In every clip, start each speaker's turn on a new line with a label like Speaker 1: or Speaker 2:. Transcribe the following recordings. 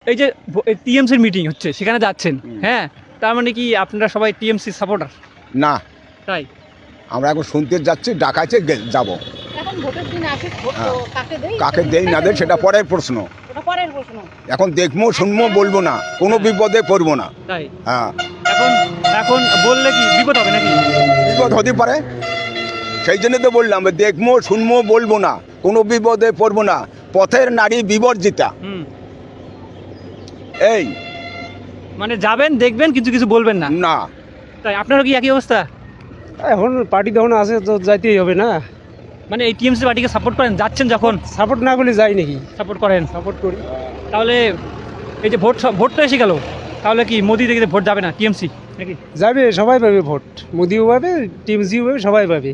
Speaker 1: এই যে টিএমসির মিটিং হচ্ছে সেখানে যাচ্ছেন, হ্যাঁ, তার মানে কি আপনারা সবাই টিএমসি সাপোর্টার?
Speaker 2: না,
Speaker 1: তাই
Speaker 2: আমরা এখন শুনতে যাচ্ছি, ডাকাইছে যাব।
Speaker 3: এখন ভোটের দিন আসে, ভোট তো
Speaker 2: কাকে দেই না দেই সেটা পরের প্রশ্ন।
Speaker 3: ওটা পরের প্রশ্ন।
Speaker 2: এখন দেখবো, শুনবো, বলবো না, কোনো বিপদে পড়বো না।
Speaker 1: তাই
Speaker 2: হ্যাঁ,
Speaker 1: এখন এখন বললে কি বিপদ হবে নাকি?
Speaker 2: বিপদ হতে পারে, সেই জন্য তো বললাম দেখবো, শুনবো, বলবো না, কোনো বিপদে পড়বো না। পথের নারী বিবর্জিতা। এই
Speaker 1: মানে যাবেন, দেখবেন, কিছু কিছু বলবেন না?
Speaker 2: না।
Speaker 1: তাই আপনারও কি একই অবস্থা?
Speaker 4: এখন পার্টি যখন আছে তো যাইতেই হবে না।
Speaker 1: মানে এই টিএমসি পার্টিকে সাপোর্ট করেন, যাচ্ছেন যখন?
Speaker 4: সাপোর্ট না করলে যাই নাকি?
Speaker 1: সাপোর্ট করেন?
Speaker 4: সাপোর্ট করি।
Speaker 1: তাহলে এই যে ভোট তো এসে গেল, তাহলে কি মোদি থেকে ভোট যাবে না টিএমসি নাকি?
Speaker 4: যাবে, সবাই পাবে ভোট, মোদিও পাবে, টিএমসিও পাবে, সবাই পাবে।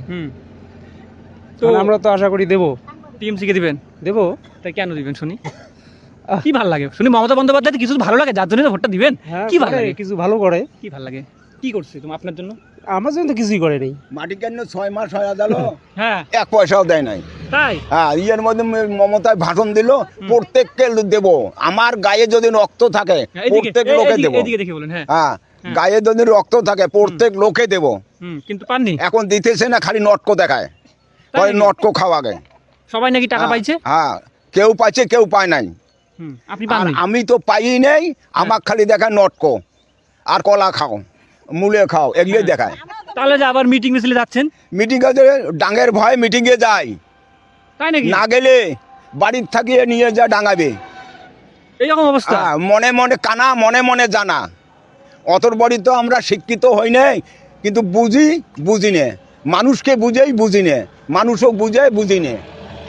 Speaker 4: তো আমরা তো আশা করি দেবো।
Speaker 1: টিএমসিকে দিবেন?
Speaker 4: দেবো।
Speaker 1: তাই কেন দিবেন শুনি? কি ভালো লাগে শুনি? মমতা বন্দ্যোপাধ্যায় কিছু ভালো লাগে যার জন্য ভোটটা দিবেন? কি ভালো লাগে?
Speaker 4: কিছু ভালো করে।
Speaker 1: কি ভালো লাগে? কি করছে তুমি আপনার জন্য?
Speaker 4: আমার জন্য তো কিছুই করে নেই।
Speaker 2: মাটি কেন 6 মাস হয়ে গেল,
Speaker 1: হ্যাঁ,
Speaker 2: 1 পয়সাও দেয় নাই।
Speaker 1: তাই
Speaker 2: হ্যাঁ, ইয়ের মধ্যে মমতায় ভাষণ দিল, প্রত্যেককে দেবো, আমার গায়ে যদি রক্ত থাকে প্রত্যেক লোকে দেবো।
Speaker 1: এদিকে দেখে বলেন। হ্যাঁ,
Speaker 2: হ্যাঁ, গায়ে যদি রক্ত থাকে প্রত্যেক লোকে দেবো।
Speaker 1: কিন্তু পাননি।
Speaker 2: এখন দিতেছে না, খালি নটকো দেখায়, পরে নটকো খাওয়া গে।
Speaker 1: সবাই নাকি টাকা পাইছে?
Speaker 2: হ্যাঁ, কেউ পাইছে, কেউ পায় নাই।
Speaker 1: আপনি
Speaker 2: আর
Speaker 1: পাননি?
Speaker 2: আমি তো পাই নেই, আমার খালি দেখায় নটকো আর কলা খাও, মূলে খাও, এগুলোই দেখায়।
Speaker 1: তাহলে যে আবার মিটিং মিছিলে যাচ্ছেন?
Speaker 2: মিটিং এ ডাঙের ভয় মিটিংয়ে যাই,
Speaker 1: তাই নাকি?
Speaker 2: না গেলে বাড়ির থাকিয়ে নিয়ে যা ডাঙাবে।
Speaker 1: এইরকম অবস্থা?
Speaker 2: মনে মনে কানা, মনে মনে জানা। অতর বড়ি তো আমরা শিক্ষিত হই নাই, কিন্তু বুঝি নে, মানুষকে বুঝি নে, মানুষও বুঝি নে,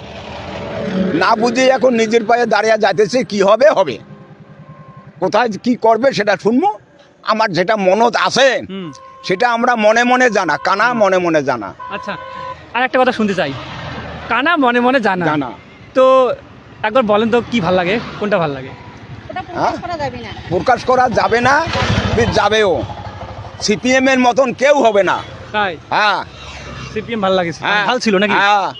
Speaker 2: না বুঝে এখন নিজের পায়ে দাঁড়িয়ে যাইতেছে। কি হবে হবে, কোথায় কি করবে সেটা শুনবো। আমার যেটা মনত আছে সেটা আমরা মনে মনে জানা, কানা মনে মনে জানা।
Speaker 1: আচ্ছা, আর একটা কথা শুনতে চাই, কানা মনে মনে জানা। তো একবার বলেন তো কি ভাল লাগে, কোনটা ভাল লাগে?
Speaker 3: ওটা প্রকাশ করা যাবে না।
Speaker 2: প্রকাশ করা যাবে না, যাবেও। সিপিএম এর মতন কেউ হবে না।
Speaker 1: তাই?
Speaker 2: হ্যাঁ,
Speaker 1: সিপিএম ভাল লাগে, ভালো ছিল নাকি?
Speaker 2: হ্যাঁ,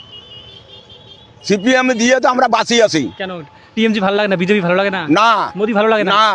Speaker 2: সিপিএম দিয়ে তো আমরা বাঁচি আছি।
Speaker 1: কেন টিএমসি ভালো লাগে না? বিজেপি ভালো লাগে না?
Speaker 2: না,
Speaker 1: মোদি ভালো লাগে না?
Speaker 2: না,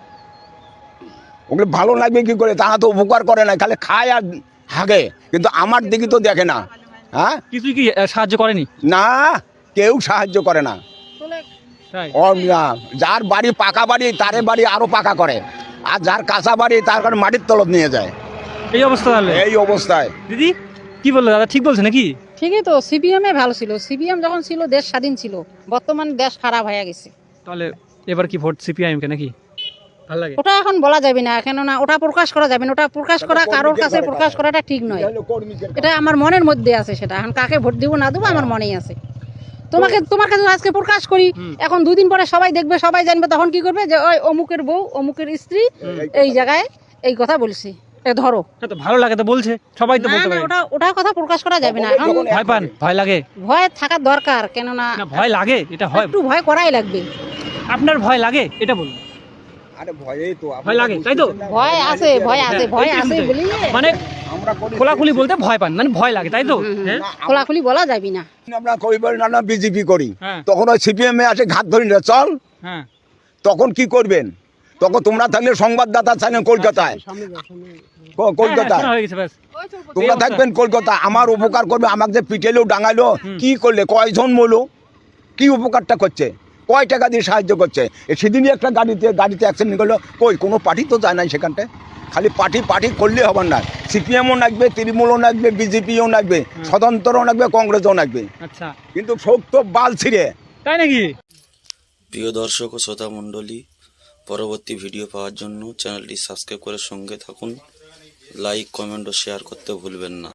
Speaker 2: ওগুলো ভালো লাগবে কি করে? তারা তো উপকার করে না, খালি খায় আর হাগে, কিন্তু আমার দিকে তো দেখে না। হ্যাঁ,
Speaker 1: কিছুই কি সাহায্য করেনি?
Speaker 2: না, কেউ সাহায্য করে না।
Speaker 1: তাই?
Speaker 2: যার বাড়ি পাকা বাড়ি, তারে বাড়ি আরো পাকা করে, আর যার কাঁচা বাড়ি তার কারণে মাটির তলব নিয়ে যায়।
Speaker 1: এই অবস্থা তাহলে?
Speaker 2: এই অবস্থায়।
Speaker 1: দিদি কি বললো? দাদা ঠিক বলছে নাকি?
Speaker 3: ঠিকই তো, সিপিএম ভালো ছিল। সিপিএম যখন ছিল দেশ স্বাধীন ছিল, বর্তমানে দেশ খারাপ হয়ে গেছে।
Speaker 1: তাহলে এবার কি ভোট সিপিআইএম কে নাকি? ভালো লাগে?
Speaker 3: ওটা এখন বলা যাবে না, কেননা ওটা প্রকাশ করা যাবে না। ওটা প্রকাশ করা কারোর কাছে প্রকাশ করাটা ঠিক নয়। এটা আমার মনের মধ্যে আছে, সেটা এখন কাকে ভোট দিব না দেবো আমার মনেই আছে। তোমার কাছে আজকে প্রকাশ করি, এখন 2 দিন পরে সবাই দেখবে, সবাই জানবে, তখন কি করবে যে ওই অমুকের বউ, অমুকের স্ত্রী এই জায়গায় এই কথা বলছে, ধরো।
Speaker 1: তো ভালো লাগে তো বলছে, সবাই তো বলতে পারে।
Speaker 3: ওটা কথা প্রকাশ করা যাবে না।
Speaker 1: ভয় পান? ভয় লাগে?
Speaker 3: ভয় থাকার দরকার, কেননা
Speaker 1: ভয় লাগে, এটা হয়,
Speaker 3: একটু ভয় করাই লাগবে।
Speaker 1: আপনার ভয় লাগে এটা বলুন।
Speaker 2: আরে ভয়ই তো,
Speaker 1: ভয় লাগে তাই তো?
Speaker 3: ভয় আছে বলি,
Speaker 1: মানে খোলাখুলি বলতে ভয় পান, মানে ভয় লাগে তাই তো?
Speaker 3: খোলাখুলি বলা যাবে না।
Speaker 2: আমরা কইবার না বিজেপি করি,
Speaker 1: হ্যাঁ।
Speaker 2: তখন ওই সিপিএম এ আসে ঘাত ধরি না চল।
Speaker 1: হ্যাঁ,
Speaker 2: তখন কি করবেন? তখন তোমরা থাকলে সংবাদদাতা থাকলেন কলকাতায়, কলকাতায়
Speaker 1: হয়ে গেছে ব্যাস।
Speaker 2: তোমরা থাকবেন কলকাতা, আমার উপকার করবে। আমাকে যে পিটেলো ডাঙালো, কি করলে, কয়জন মলো, কি উপকারটা করছে, কয় টাকা দিয়ে সাহায্য করছে? সেদিনই একটা গাড়িতে অ্যাক্সিডেন্ট করলো, কই কোনো পার্টি তো যায় নাই সেখানটায়। খালি পার্টি করলে হবে না, সিপিএমও লাগবে, তৃণমূলও লাগবে, বিজেপিও লাগবে, স্বতন্ত্রও লাগবে, কংগ্রেসও লাগবে।
Speaker 1: আচ্ছা,
Speaker 2: কিন্তু সব তো বাল ছিঁড়ে।
Speaker 1: তাই নাকি?
Speaker 5: প্রিয় দর্শক ও শ্রোতা মণ্ডলী, পরবর্তী ভিডিও পাওয়ার জন্য চ্যানেলটি সাবস্ক্রাইব করে সঙ্গে থাকুন। লাইক, কমেন্ট ও শেয়ার করতে ভুলবেন না।